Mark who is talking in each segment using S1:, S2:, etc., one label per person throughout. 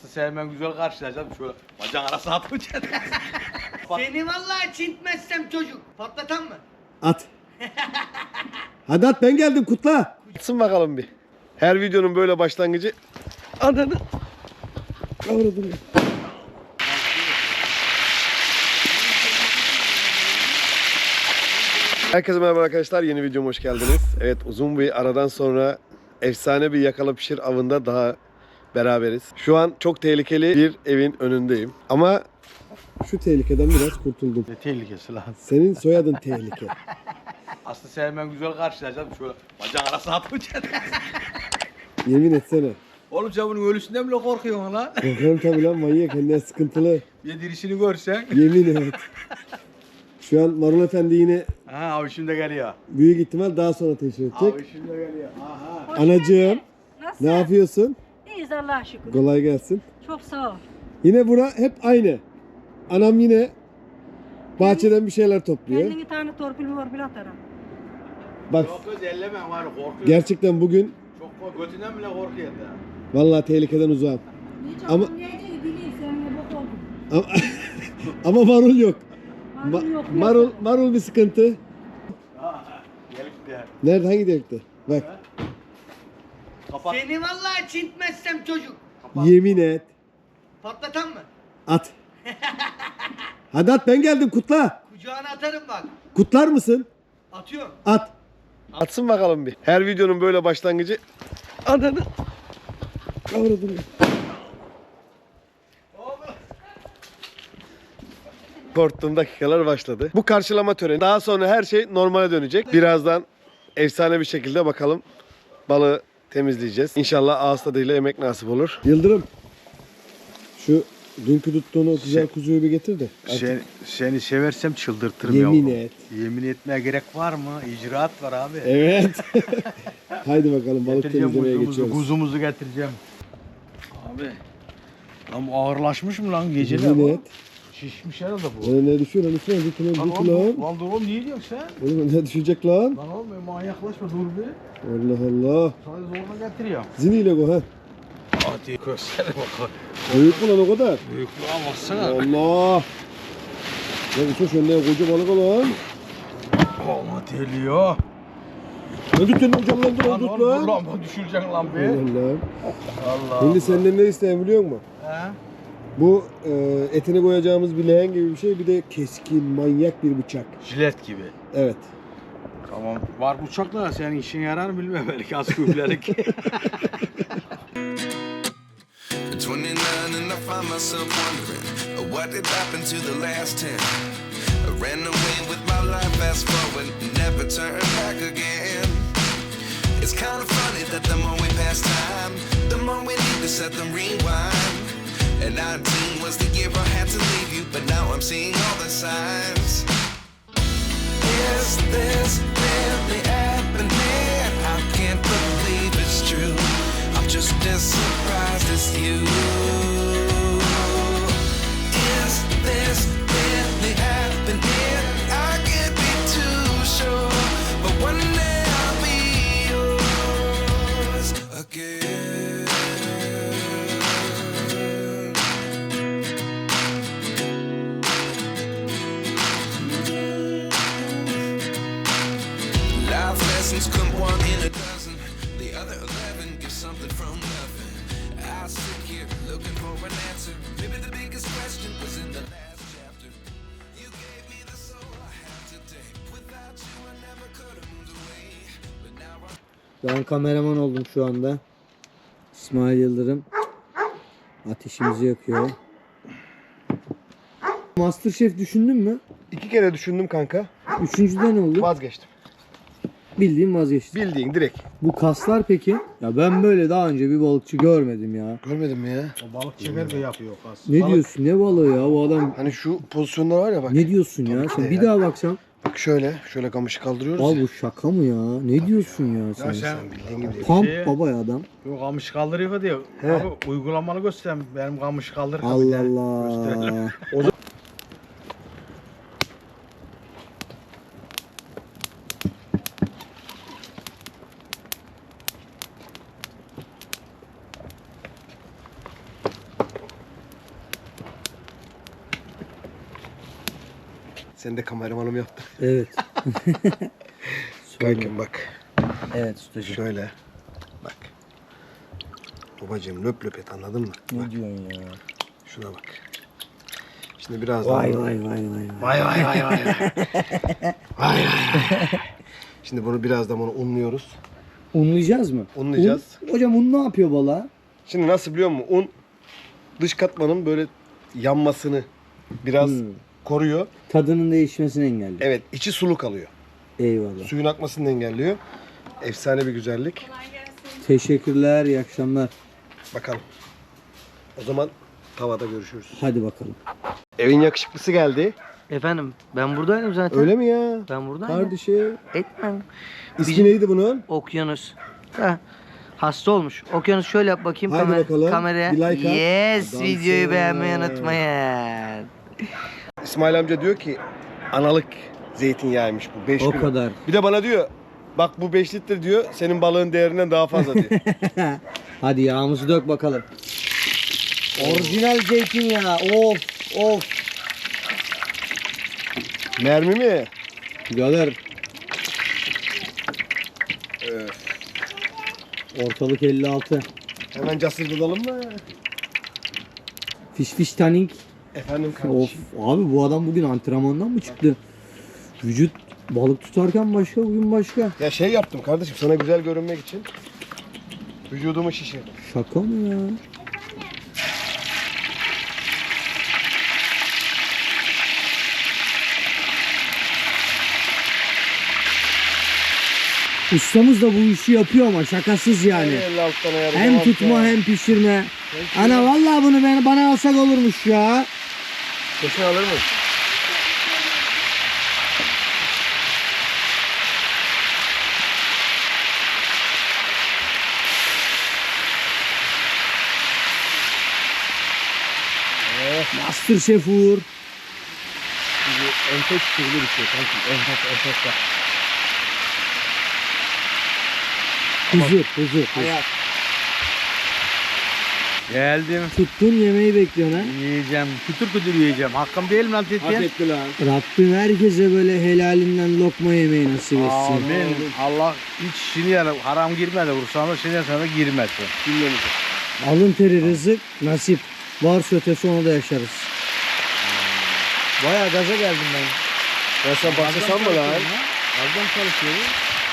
S1: sevmen güzel karşılayacağım. Şöyle bacağın arasına atmayacaksın.
S2: Seni vallahi çintmezsem çocuk. Patlatan mı?
S3: At. Hadi at, ben geldim, kutla. Atsın bakalım bir. Her videonun böyle başlangıcı. Ananı. Kavradım ya. Herkese merhaba arkadaşlar, yeni videoma hoş geldiniz. Evet, uzun bir aradan sonra efsane bir yakala pişir avında daha beraberiz. Şu an çok tehlikeli bir evin önündeyim. Ama şu tehlikeden biraz kurtuldum.
S1: Ne tehlikesi lan?
S3: Senin soyadın tehlike.
S1: Aslında sevmen güzel karşılayacağım. Şöyle bacağın arasına atmayacaksın.
S3: Yemin etsene.
S1: Oğlum sen bunun ölüsünden bile korkuyorsun lan.
S3: Korkarım tabii lan, manyak, kendine sıkıntılı.
S1: Bir dirişini görsen.
S3: Yemin et. Şu an Marul Efendi yine
S1: Ha abi şimdi geliyor.
S3: büyük ihtimal daha sonra teşrif edecek.
S1: Abi şimdi geliyor. Aha.
S3: Anacığım,
S4: Nasıl?
S3: ne yapıyorsun?
S4: İyiyiz Allah'a şükür.
S3: Kolay gelsin.
S4: Çok sağ ol.
S3: Yine bura hep aynı. Anam yine bahçeden bir şeyler topluyor.
S4: Kendini tane torpil atarım.
S3: Bak,
S1: Yok kız elleme var korkuyor.
S3: gerçekten bugün
S1: Çok götünden bile korkuyor da.
S3: vallahi tehlikeden uzağım. Ama-
S4: Ama neydi bileyim seninle bok oldum.
S3: Ama, ama marul yok.
S4: Marul yok.
S3: Marul bir sıkıntı.
S1: Gelip de.
S3: Nerede, hangi delikte? Bak,
S1: Kapat.
S2: Seni vallahi çintmezsem çocuk.
S3: yemin et.
S2: Patlatan mı?
S3: At. Hadi at, ben geldim, kutla.
S2: Kucağına atarım bak.
S3: Kutlar mısın?
S2: Atıyorum.
S3: At. Atsın bakalım bir. Her videonun böyle başlangıcı. Ananı. Kavradım ya. Korktuğum dakikalar başladı. Bu karşılama töreni. Daha sonra her şey normale dönecek. Birazdan efsane bir şekilde bakalım balığı temizleyeceğiz. İnşallah ağız tadıyla yemek nasip olur. Yıldırım. Şu dünkü tuttuğun o güzel kuzuyu bir getir de.
S1: Seni seversem çıldırtırım
S3: Yemin
S1: yavrum.
S3: et.
S1: Yemin etmeye gerek var mı? İcraat var abi.
S3: Evet. Haydi bakalım, balık
S1: Getireceğim
S3: temizlemeye
S1: kuzumuzu,
S3: geçiyoruz.
S1: kuzumuzu getireceğim. Abi. Lan bu ağırlaşmış mı lan geceler
S3: Yemin
S1: bu?
S3: et.
S1: Şişmiş herhalde bu.
S3: Ne düşüyor lan, üstüne dik lan, dik lan.
S1: Lan dur oğlum niye diyorsun sen?
S3: Oğlum ne düşecek lan?
S1: Lan oğlum manyaklaşma dur bir.
S3: Allah Allah.
S1: Sana zorla getiriyorum.
S3: Ziniyle go ha.
S1: Hadi göster bakalım.
S3: Büyük mü lan o kadar?
S1: Büyüklüğe baksana.
S3: Allah. Ya bu çok önüne koca balık olan.
S1: Ama deliyor.
S3: Ne tuttun hocam lan, dur
S1: Lan
S3: tut
S1: oğlum dur
S3: lan.
S1: lan bu düşüreceksin lan be.
S3: Allah.
S1: Allah.
S3: Şimdi senden ne isteyen biliyor musun?
S1: He?
S3: Bu etini koyacağımız bir leğen gibi bir şey, bir de keskin manyak bir bıçak.
S1: Jilet gibi.
S3: Evet.
S1: Tamam. Var bıçakla senin işin yarar mı bilmem belki az küflerik.
S5: 29 and I find myself wondering what did happen to the last 10. I ran away with my life, fast forward, never turn back again. It's kind of funny that the more we pass time, the more we need to set them rewind. And 19 was the year I had to leave you, but now I'm seeing all the signs. Is this really happening? I can't believe it's true. I'm just as surprised as you. Is this really happening? I can't be too sure, but one day I'll be yours again. Life lessons come one in a dozen. The other 11 give something from nothing. I sit here looking for an answer. Maybe the biggest question was in the last chapter. You gave me the soul I have today. Without you I never could have moved away. But now I'm
S6: Ben kameraman oldum şu anda. İsmail Yıldırım ateşimizi yakıyor. Masterchef düşündün mü?
S3: 2 kere düşündüm kanka.
S6: Üçüncüde ne oldu?
S3: Vazgeçtim.
S6: Bildiğin vazgeçtim.
S3: Bildiğin direkt.
S6: Bu kaslar peki? Ya ben böyle daha önce bir balıkçı görmedim ya.
S3: Görmedin mi ya?
S1: O balık çeker de yapıyor kas.
S6: Ne diyorsun? Ne balığı ya bu adam?
S3: Hani şu pozisyonlar var ya bak.
S6: Ne diyorsun ya?
S3: Tabii ki
S6: Sen
S3: de
S6: bir
S3: ya.
S6: daha baksan.
S3: Bak şöyle kamışı kaldırıyoruz.
S6: Abi bu şaka mı ya? Ne diyorsun ya sen?
S1: Ya sen
S3: Bildiğin gibi değil.
S6: Pump
S1: Şey-
S6: baba ya adam.
S1: yok kamış kaldırıyor diyor.
S3: He.
S1: Abi uygulamalı göstereyim. Benim kamış kaldır.
S6: Allah Allah.
S3: Sen de kameramanım yaptın.
S6: Evet.
S3: Kankim bak.
S6: Evet ustacığım.
S3: Şöyle. Bak. Babacığım löp löp et, anladın mı?
S6: Ne
S3: Bak.
S6: diyorsun ya?
S3: Şuna bak. Şimdi biraz
S6: Vay
S3: daha...
S6: vay vay vay.
S3: Vay vay vay vay. Vay vay. Şimdi bunu birazdan bunu unluyoruz.
S6: Unlayacağız mı?
S3: Unlayacağız.
S6: Hocam un ne yapıyor balığa?
S3: Şimdi nasıl biliyor musun? Un dış katmanın böyle yanmasını biraz koruyor.
S6: Tadının değişmesini engelliyor.
S3: Evet, içi sulu kalıyor.
S6: Eyvallah.
S3: Suyun akmasını engelliyor. Efsane bir güzellik.
S6: Teşekkürler, iyi akşamlar.
S3: Bakalım. O zaman tavada görüşürüz.
S6: Hadi bakalım.
S3: Evin yakışıklısı geldi.
S2: Efendim ben buradaydım zaten.
S3: Öyle mi ya?
S2: Ben buradaydım.
S3: Kardeşim.
S2: Etmem.
S3: İsmi neydi bunun?
S2: Okyanus. Heh. Hasta olmuş. Okyanus şöyle yap bakayım
S3: Haydi bakalım.
S2: kameraya.
S3: Bir like at.
S2: Yes,
S3: Adamsın.
S2: videoyu beğenmeyi unutmayın.
S3: İsmail amca diyor ki analık zeytinyağıymış bu 5
S6: O
S3: kilo.
S6: kadar.
S3: Bir de bana diyor bak bu 5 litre diyor senin balığın değerinden daha fazla diyor.
S6: Hadi yağımızı dök bakalım. Orijinal zeytinyağı. Of of.
S3: Mermi mi?
S6: Birader. Ortalık 56.
S3: Hemen casırdıralım mı?
S6: Fiş tanning.
S3: Efendim
S6: Of
S3: kardeşim.
S6: abi bu adam bugün antrenmandan mı çıktı? Vücut balık tutarken başka, bugün başka.
S3: Ya şey yaptım kardeşim sana güzel görünmek için. Vücudumu şişirdim.
S6: Şaka mı ya? Ustamız da bu işi yapıyor ama şakasız yani.
S3: 56 ayarı
S6: Hem
S3: devam
S6: tutma
S3: ya.
S6: hem pişirme. Ana vallahi bunu bana alsak olurmuş ya.
S3: Kesin alır mı?
S6: Master Chef Uğur.
S3: Enfes türlü bir şey kankim. Enfes bak.
S6: Huzur.
S1: Geldim.
S6: Tuttun yemeği bekliyorsun ha.
S1: Yiyeceğim. Kütür kütür yiyeceğim. Hakkım değil mi lan Tetiğe?
S3: etti lan.
S6: Rabbim herkese böyle helalinden lokma yemeği nasip etsin.
S1: Amin. Allah hiç şimdi yani haram girmedi. Vursana şimdi sana girmesin.
S3: Dinlemeyeceğim.
S6: Alın teri rızık nasip. Varsa ötesi onu da yaşarız. Bayağı gaza geldim ben.
S3: Ya sen başlasan mı lan?
S6: Aldım çalışıyorum.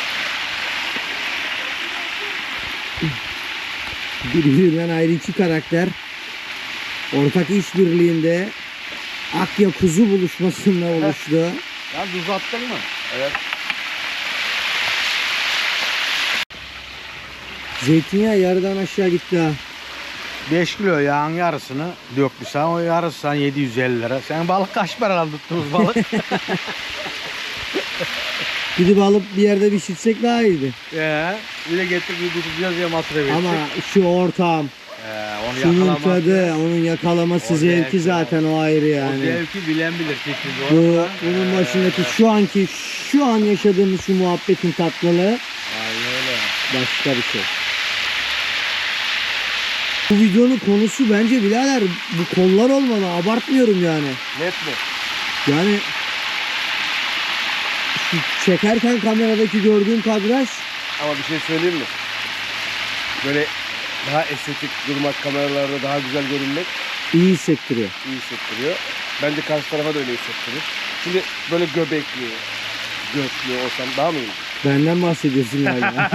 S6: Birbirinden ayrı iki karakter. Ortak işbirliğinde Akya kuzu buluşmasında oluştu.
S1: Ya tuz attın mı? Evet.
S6: Zeytinyağı yarıdan aşağı gitti ha.
S1: 5 kilo yağın yarısını döktüsen o yarısı sen 750 lira. Sen balık kaç para tuttunuz balık?
S6: Gidip alıp bir yerde pişirsek daha iyiydi.
S1: Bir de getirip tutacağız diye masraf ettik.
S6: Ama şu ortam,
S1: Onu
S6: şunun
S1: yakalamak.
S6: tadı, onun yakalaması
S1: O
S6: zevki
S1: zevki
S6: zaten o ayrı
S1: O
S6: yani.
S1: zevki bilen bilir.
S6: Bunun başındaki şu an yaşadığımız şu muhabbetin tatlılığı
S1: Aynen öyle.
S6: başka bir şey. Bu videonun konusu bence birader bu kollar olmalı, abartmıyorum yani.
S3: Net mi?
S6: Yani şu çekerken kameradaki gördüğüm kadraj
S3: Ama bir şey söyleyeyim mi? Böyle daha estetik durmak, kameralarda daha güzel görünmek
S6: iyi hissettiriyor.
S3: iyi hissettiriyor. Bence karşı tarafa da öyle hissettirir. Şimdi böyle göbekli, götlü olsam daha mı iyi?
S6: Benden bahsediyorsun galiba.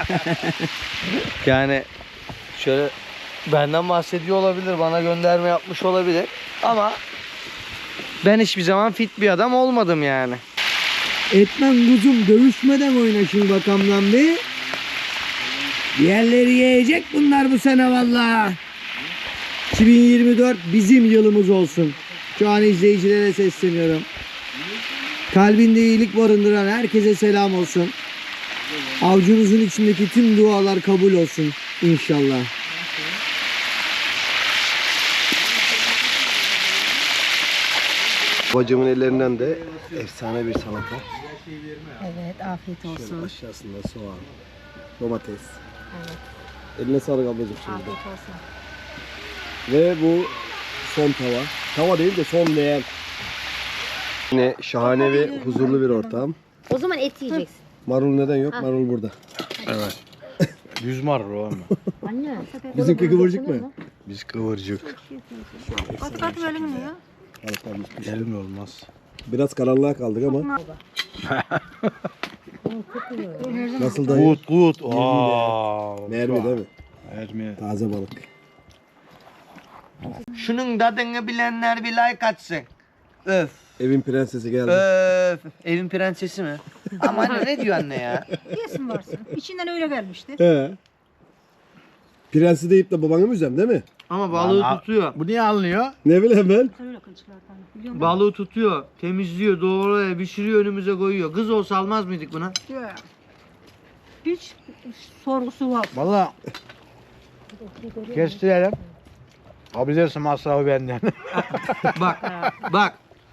S2: Yani şöyle benden bahsediyor olabilir, bana gönderme yapmış olabilir ama ben hiçbir zaman fit bir adam olmadım yani.
S6: Etmem kuzum, dövüşmeden oynaşın bakamdan bir. Diğerleri yiyecek bunlar bu sene valla. 2024 bizim yılımız olsun. Şu an izleyicilere sesleniyorum. Kalbinde iyilik barındıran herkese selam olsun. Avcunuzun içindeki tüm dualar kabul olsun inşallah.
S3: Bacımın ellerinden de efsane bir salata.
S4: Evet, afiyet
S3: Şöyle
S4: olsun.
S3: aşağısında soğan, domates. Eline sağlık ablacığım şimdi.
S4: Afiyet olsun.
S3: Ve bu son tava. Tava değil de son leğen. Yine şahane ve huzurlu bir ortam.
S4: O zaman et yiyeceksin.
S3: Marul neden yok? Marul burada.
S1: Evet. Düz marul o ama.
S4: Anne.
S3: Bizimki kıvırcık mı?
S1: Biz kıvırcık.
S4: Kat kat böyle mi ya?
S1: Elim olmaz.
S3: Biraz karanlığa kaldık ama. Nasıl dayı?
S1: Gut gut. Aa,
S3: Mermi değil mi?
S1: Mermi.
S3: Taze balık.
S2: Şunun tadını bilenler bir like atsın. Öf.
S3: Evin prensesi geldi.
S2: Öf. Evin prensesi mi? Ama anne ne diyor anne ya?
S4: Yesin varsın. İçinden öyle gelmişti.
S3: He. Prensi deyip de babanı mı üzem değil mi?
S2: Ama balığı
S1: Lan,
S2: tutuyor.
S1: Bu niye alınıyor?
S3: Ne bileyim ben.
S4: Öyle kılçıklardan. Biliyor musun?
S2: Balığı tutuyor, temizliyor, doğruyor, pişiriyor, önümüze koyuyor. Kız olsa almaz mıydık buna?
S4: Ya. Hiç sorgusu var.
S1: Valla kestirelim. Alabilirsin masrafı benden.
S2: Bak, bak.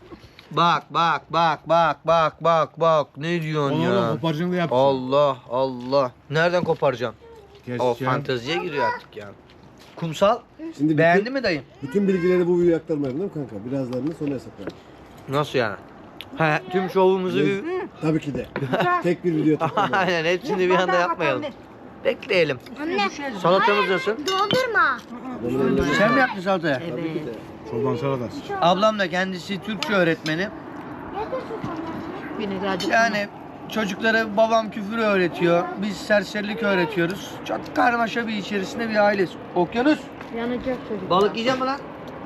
S2: Bak. Ne diyorsun ya?
S1: koparcını yap.
S2: Allah Allah. Nereden koparacağım? O
S1: Keseceğim.
S2: fanteziye giriyor artık ya. Kumsal,
S3: Şimdi
S2: beğendi mi dayım?
S3: bütün bilgileri bu videoya aktarmayalım değil mi kanka? Birazlarını sonra hesaplayalım.
S2: Nasıl yani? He, tüm şovumuzu bir...
S3: Tabii ki de. Tek bir video takılmayalım.
S2: Aynen, hepsini bir anda yapmayalım. Bekleyelim.
S7: Anne,
S2: Salatamız nasıl?
S7: doldurma.
S2: Sen mi yaptın salatayı?
S4: Evet.
S1: Çoban salatası.
S2: Ablam da kendisi Türkçe öğretmeni.
S4: Vinegarcık.
S2: Yani çocuklara babam küfür öğretiyor. Biz serserilik öğretiyoruz. Çok karmaşa bir içerisinde bir aileyiz. Okyanus.
S4: Yanacak çocuk.
S2: Balık yiyecek mi lan?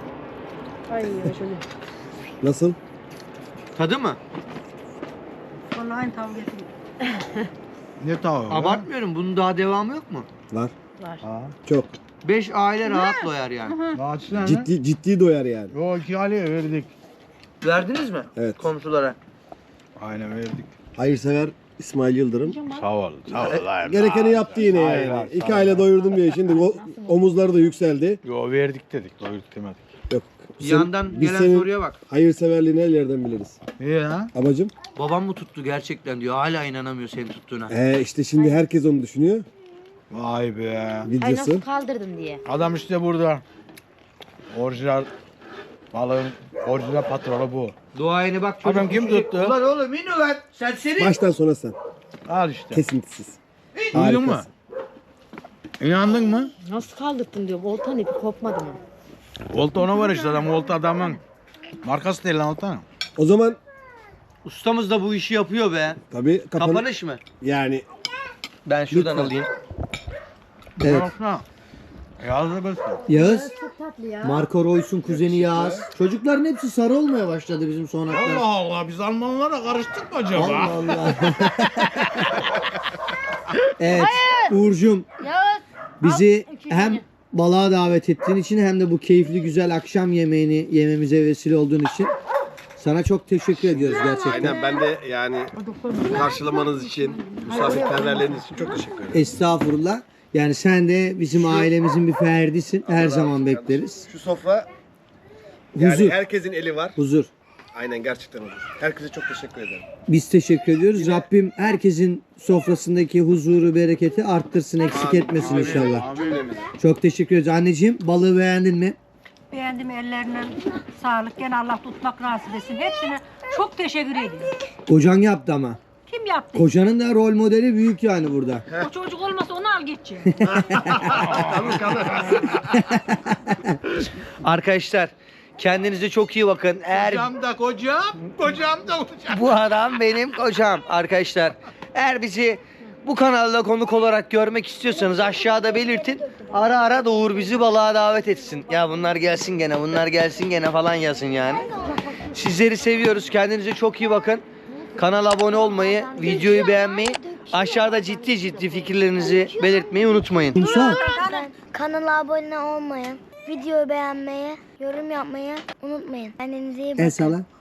S4: Ay şöyle.
S3: Nasıl?
S2: Tadı mı?
S4: Vallahi aynı tavuk getiriyor.
S1: Ne tavuğu?
S2: Abartmıyorum. Bunun daha devamı yok mu?
S3: Var.
S4: Var.
S1: Ha.
S3: Çok.
S2: 5 aile rahat doyar yani.
S1: Daha açsana.
S3: Ciddi doyar yani.
S1: Yo 2 aileye verdik.
S2: Verdiniz mi?
S3: Evet.
S2: Komşulara.
S1: Aynen verdik.
S3: Hayırsever İsmail Yıldırım.
S1: Sağ ol. Sağ ol.
S3: Gerekeni yaptı yine
S1: Hayır,
S3: yani.
S1: hayır,
S3: İki
S1: sağ ol.
S3: aile doyurdum diye şimdi omuzları da yükseldi.
S1: Yo verdik dedik. Doyurduk demedik.
S3: Yok.
S2: Yandan
S3: biz
S2: gelen
S3: senin
S2: soruya bak.
S3: hayırseverliğini her yerden biliriz.
S1: İyi ya.
S3: Amacım?
S2: Babam mı tuttu gerçekten diyor. Hala inanamıyor senin tuttuğuna.
S3: İşte şimdi herkes onu düşünüyor.
S1: Vay be.
S4: Ay
S3: Videosu.
S4: nasıl kaldırdın diye.
S1: Adam işte burada. Orijinal balığın orijinal patronu bu.
S2: Duayeni bak.
S1: Adam
S2: çocuk
S1: kim
S2: işi-
S1: tuttu?
S2: Ulan oğlum in ulan. Serseri.
S3: Baştan sona sen.
S1: Al işte.
S3: Kesintisiz.
S1: Duydun mu?
S3: Harikasın.
S1: İnandın mı?
S4: Nasıl kaldırdın diyor. Voltan ipi kopmadı mı?
S1: Volta ona var işte adam. Volta adamın markası değil lan Volta.
S3: O zaman
S2: Ustamız da bu işi yapıyor be.
S3: tabii
S2: Kapanış mı?
S3: yani
S2: Ben şuradan
S3: Lütfen.
S2: alayım.
S3: evet.
S1: Baksana. Yazdı böyle.
S6: Yağız.
S4: Çok tatlı ya.
S6: Marco Reus'un kuzeni Yağız. Çocukların hepsi sarı olmaya başladı bizim sonraklar.
S1: Allah Allah biz Almanlara karıştık mı acaba?
S6: Allah Allah. Evet Uğur'cum bizi hem balığa davet ettiğin için hem de bu keyifli güzel akşam yemeğini yememize vesile olduğun için sana çok teşekkür ediyoruz gerçekten.
S3: Aynen ben de yani karşılamanız için, misafirperverleriniz için çok teşekkür ederim.
S6: Estağfurullah. Yani sen de bizim ailemizin bir ferdisin. Her zaman bekleriz.
S3: Şu sofra yani
S6: Huzur.
S3: herkesin eli var.
S6: Huzur.
S3: Aynen gerçekten huzur. Herkese çok teşekkür ederim.
S6: Biz teşekkür ediyoruz. Rabbim herkesin sofrasındaki huzuru, bereketi arttırsın, eksik etmesin inşallah. Çok teşekkür ederiz. Anneciğim balığı beğendin mi?
S8: Beğendim, ellerine sağlık. Gene Allah tutmak nasip etsin. Hepsine çok teşekkür ediyorum.
S6: Kocan yaptı ama.
S8: Kim yaptı?
S6: Kocanın da rol modeli büyük yani burada.
S8: O çocuk olmasa onu al geçeceğim.
S2: Arkadaşlar kendinize çok iyi bakın. Eğer
S1: Kocam da kocam da kocam.
S2: bu adam benim kocam arkadaşlar. Eğer bizi bu kanalda konuk olarak görmek istiyorsanız aşağıda belirtin. Ara ara da Uğur bizi balığa davet etsin. Ya bunlar gelsin gene, bunlar gelsin gene falan yazın yani. Sizleri seviyoruz. Kendinize çok iyi bakın. Kanala abone olmayı, videoyu beğenmeyi, aşağıda ciddi fikirlerinizi belirtmeyi unutmayın.
S6: Kumsal.
S7: Kanala abone olmayı, videoyu beğenmeyi, yorum yapmayı unutmayın. Kendinize iyi bakın.
S6: El salla.